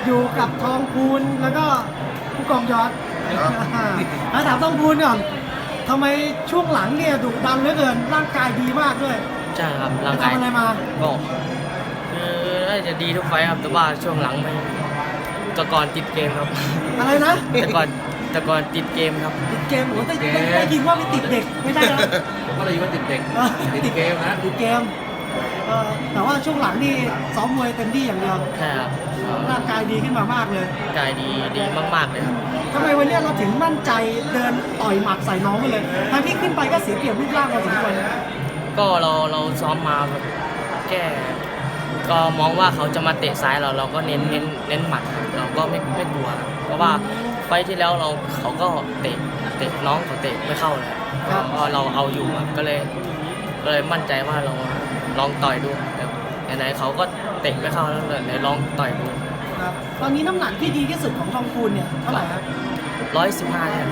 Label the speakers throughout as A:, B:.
A: อยู่กับทองพูนแล้วก็ผู้กองยอดแล้วถามทองพูนก่อนทำไมช่วงหลังเนี่ยดุดันเหลือเกินร่างกายดีมากด้วย
B: ใช่ครับ
A: ไป
B: ร่างกาย
A: ทำอะไรมา
B: ก็คือน่าจะดีทุกไฟต์ครับแต่ว่าช่วงหลังไม่แต่ก่อนติดเกมครับ
A: อะไรนะ
B: แต่ก่อนติดเกมครับ
A: ติดเกมโอ้ได้ยินว่าไปติดเด็กไม่ใช่นะ
C: ผมก็เลยว่าติดเด็ก
A: เออ
C: ติดเกมนะ
A: ติดเกมแต่ว่าช่วงหลังนี่ซ้อมมวยเต็มที่อย่างเดียว
B: ใช่ครับ
A: ร่างกายดีขึ้นมามากเลย
B: ร่างกายดีมากๆเลยครับ
A: ทำไมวันนี้เราถึงมั่นใจเดินต่อยหมัดใส่น้องไปเลยทั้งที่ขึ้นไปก็เสียเปรียบรูปร่างพอสมควร
B: ก็เราซ้อมมาแบบแค่ก็มองว่าเขาจะมาเตะซ้ายเราก็เน้นหมัดครับเราก็ไม่กลัวครับเพราะว่าไฟต์ที่แล้วเขาก็เตะน้องเขาเตะไม่เข้าเลยครับก็เราเอาอยู่ครับก็เลยมั่นใจว่าเราลองต่อยดูแต่ไหนๆเขาก็เตะไม่เข้าแล้วเลยไหนลองต่อยดู
A: ครับตอนนี้น้ำหนักที่ดีที่สุดของทองคูณเนี่ยเท่าไหร่ครับ
B: 115เนี่ย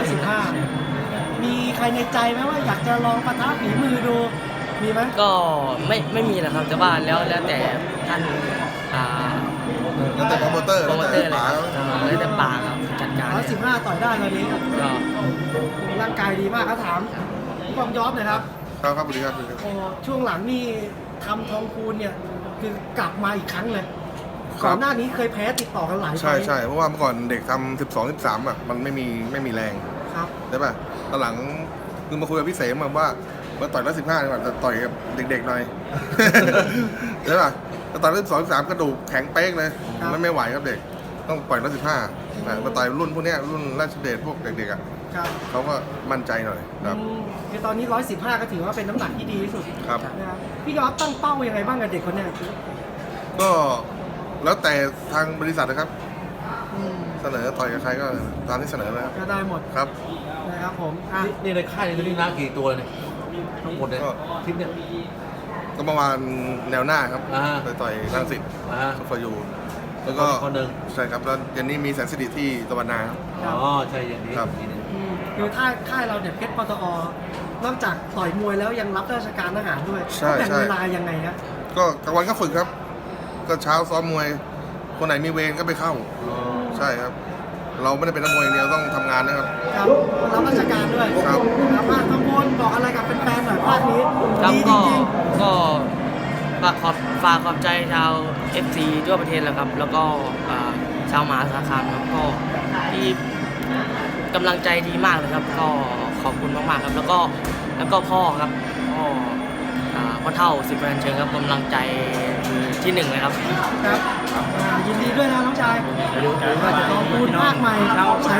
A: 115มีใครในใจไหมว่าอยากจะลองปะทะฝีมือดูมีไหม
B: ก็ไม่มีนะครับแต่ว่าแล้วแต่ท่าน
D: แล้วแต่โปรโมเตอร์
B: โปรโมเตอร์เลย
D: ป๋า
B: แล้วแต่ป่าครับจัดการ
A: 115ต่อยได้ตอนนี้
B: ก็
A: ร่างกายดีมากครับถามผู้กองยอดหน่อยครับ
D: ครับครับสวัสดีครับสวัสดีครับ
A: โอ้ช่วงหลังนี่ทำทองคูณเนี่ยคือกลับมาอีกครั้งเลย
D: ครับ
A: ก่อนหน้านี้เคยแพ้ติดต่อกันหลายไฟ
D: ใช่
A: ล์
D: ใช่เพราะว่าเมื่อก่อนเด็กทำ12 13อ่ะมันไม่มีแรง
A: ครับ
D: ใช่ป่ะตอนหลังคือมาคุยกับพี่เสมมาว่ามาต่อย115ดีกว่าแต่ต่อยกับเด็กๆหน่อย ใช่ป่ะแต่ต่อย12 13กระดูกแข็งเป๊กเลยมันไม่ไหวครับเด็กต้องปล่อย115มาต่อยรุ่นพวกเนี้ยรุ่นราชเดชพวกเด็กๆอ่ะ
A: ครับ
D: เขาก็มั่นใจหน่อยครับ
A: คือตอนนี้115ก็ถือว่าเป็นน้ำหนักที่ดีที่สุด
D: ครับ
A: นะครับพี่ยอดตั้งเป้ายังไงบ้างกับเด็กคนเนี้ย
D: ก็แล้วแต่ทางบริษัทนะครับ
A: อืม
D: เสนอต่อยกับใครก็ตามที่เสนอนะครับ
A: ก็ได้หมด
D: ครับ
A: นะครับผมอ่ะ
C: นี่ในค่ายนี่นะกี่ตัวเลยเนี่ยทั้งหมดเนี่ย
D: ก็
C: ทิปเนี่ย
D: ก็ประมาณแนวหน้าครับ
C: อ่า
D: ไปต่อยรังสิต
C: อ่า
D: ซุปเปอร์ยูแล้วก็
C: คนหนึ่ง
D: ใช่ครับแล้วเย็นนี้มีแสนสิริที่ตะวันนาครับ
C: อ๋อใช่อย่างนี้
D: ครับ
C: อีกนิดนึง
A: คือค่ายเราเนี่ยเพชรปตอนอกจากต่อยมวยแล้วยังรับราชการทหารด้วย
D: ใช่
A: แบ่ง
D: ใช่
A: เวลายังไงครับ
D: ก็กลางวันก็ฝึกครับ ก็เช้าซ้อมมวย คนไหนมีเวรก็ไปเข้า
C: อ๋อ
D: ใช่ครับ เราไม่ได้เป็นนักมวยอย่างเดียวต้องทำงานนะครับ
A: ครับรับราชการด้วย
D: ครับ
A: ครับอ่ะทางบนบอกอะไรกับแฟนๆหน่อยภาคนี้
B: ครับ
A: ดีจริง
B: ก็ฝากขอบใจชาว FC ทั่วประเทศแล้วครับ แล้วก็ชาวมหาสารคามครับก็ที่กำลังใจดีมากเลยครับ ก็ขอบคุณมากๆครับ แล้วก็พ่อครับพ่อเท่าสิบแปดเชิงครับกำลังใจคือที่หนึ่งเลยครับ
A: ๆครับยินดีด้วยนะน้องชายก็จะต้องพูดภาคใหม่สาย